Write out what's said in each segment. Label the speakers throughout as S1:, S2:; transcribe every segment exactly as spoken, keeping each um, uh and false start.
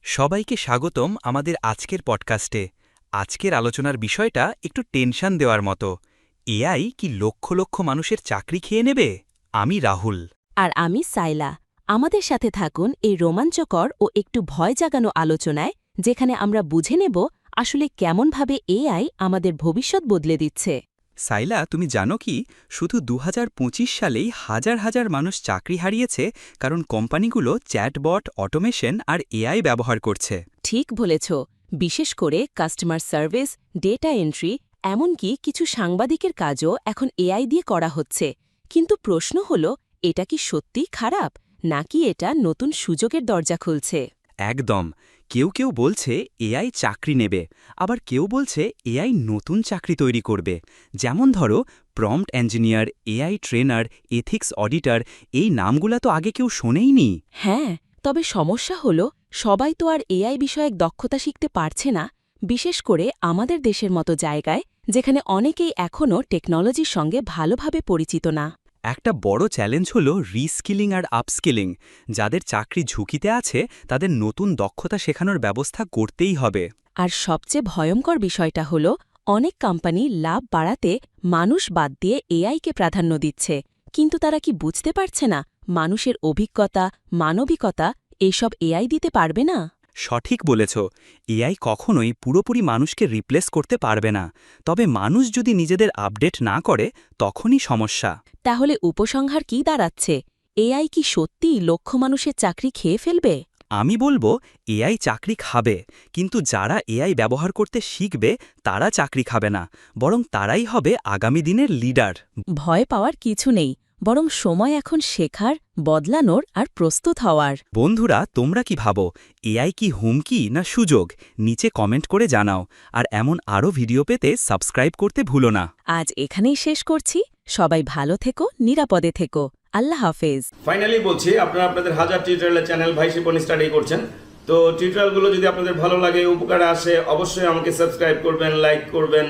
S1: সবাইকে স্বাগতম আমাদের আজকের পডকাস্টে। আজকের আলোচনার বিষয়টা একটু টেনশন দেওয়ার মতো। এআই কি লক্ষ লক্ষ মানুষের চাকরি খেয়ে নেবে? আমি রাহুল।
S2: আর আমি সাইলা। আমাদের সাথে থাকুন এই রোমাঞ্চকর ও একটু ভয় জাগানো আলোচনায়, যেখানে আমরা বুঝে নেব আসলে কেমনভাবে এআই আমাদের ভবিষ্যৎ বদলে দিচ্ছে।
S1: সাইলা, তুমি জানো কি, শুধু দু হাজার পঁচিশ সালেই হাজার হাজার মানুষ চাকরি হারিয়েছে, কারণ কোম্পানিগুলো চ্যাটবট, অটোমেশন আর এআই ব্যবহার করছে।
S2: ঠিক বলেছ, বিশেষ করে কাস্টমার সার্ভিস, ডেটা এন্ট্রি, এমনকি কিছু সাংবাদিকের কাজও এখন এআই দিয়ে করা হচ্ছে। কিন্তু প্রশ্ন হল, এটা কি সত্যিই খারাপ, নাকি এটা নতুন সুযোগের দরজা খুলছে?
S1: একদম। কেউ কেউ বলছে এআই চাকরি নেবে, আবার কেউ বলছে এআই নতুন চাকরি তৈরি করবে। যেমন ধরো, prompt engineer, AI trainer, ethics auditor, এই নামগুলা তো আগে কেউ শোনেইনি।
S2: হ্যাঁ, তবে সমস্যা হল, সবাই তো আর এআই বিষয়ক দক্ষতা শিখতে পারছে না, বিশেষ করে আমাদের দেশের মতো জায়গায়, যেখানে অনেকেই এখনও টেকনোলজির সঙ্গে ভালোভাবে পরিচিত না।
S1: একটা বড় চ্যালেঞ্জ হলো রিস্কিলিং আর আপস্কিলিং। যাদের চাকরি ঝুঁকিতে আছে তাদের নতুন দক্ষতা শেখানোর ব্যবস্থা করতেই হবে।
S2: আর সবচেয়ে ভয়ঙ্কর বিষয়টা হল, অনেক কোম্পানি লাভ বাড়াতে মানুষ বাদ দিয়ে এআইকে প্রাধান্য দিচ্ছে, কিন্তু তারা কি বুঝতে পারছে না মানুষের অভিজ্ঞতা, মানবিকতা এইসব এআই দিতে পারবে না?
S1: সঠিক বলেছ, এআই কখনোই পুরোপুরি মানুষকে রিপ্লেস করতে পারবে না। তবে মানুষ যদি নিজেদের আপডেট না করে, তখনই সমস্যা।
S2: তাহলে উপসংহার কি দাঁড়াচ্ছে? এআই কি সত্যিই লক্ষ মানুষের চাকরি খেয়ে ফেলবে?
S1: আমি বলবো, এআই চাকরি খাবে, কিন্তু যারা এআই ব্যবহার করতে শিখবে তারা চাকরি খাবে না, বরং তারাই হবে আগামী দিনের লিডার।
S2: ভয় পাওয়ার কিছু নেই, বরং সময় এখন শেখার, বদলানোর আর প্রস্তুত হওয়ার।
S1: বন্ধুরা, তোমরা কি ভাবো, এআই কি হুমকি না সুযোগ? নিচে কমেন্ট করে জানাও। আর এমন আরও ভিডিও পেতে সাবস্ক্রাইব করতে ভুলো না।
S2: আজ এখানেই শেষ করছি। সবাই ভালো থেকো, নিরাপদে থেকো। আল্লাহ হাফেজ।
S3: ফাইনালি বলছি, আপনারা আপনাদের হাজার টিউটোরিয়ালের চ্যানেল ভাই শিপন স্টাডি করছেন। তো টিউটোরিয়ালগুলো যদি আপনাদের ভালো লাগে, উপকারে আসে, অবশ্যই আমাকে সাবস্ক্রাইব করবেন, লাইক করবেন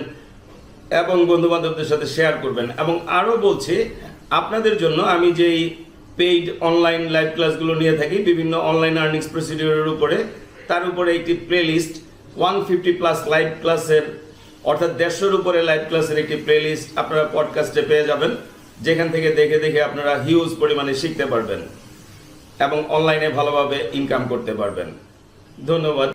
S3: এবং বন্ধুবান্ধবদের সাথে শেয়ার করবেন। এবং আরও বলছি, আপনাদের জন্য আমি যেই পেইড অনলাইন লাইভ ক্লাসগুলো নিয়ে থাকি বিভিন্ন অনলাইন আর্নিংস প্রসিডিওরের উপরে, তার উপরে একটি playlist one fifty plus live ক্লাসের, অর্থাৎ দেড়শোর উপরে লাইভ ক্লাসের একটি প্লেলিস্ট আপনারা পডকাস্টে পেয়ে যাবেন, যেখান থেকে দেখে দেখে আপনারা হিউজ পরিমাণে শিখতে পারবেন এবং অনলাইনে ভালোভাবে ইনকাম করতে পারবেন। ধন্যবাদ।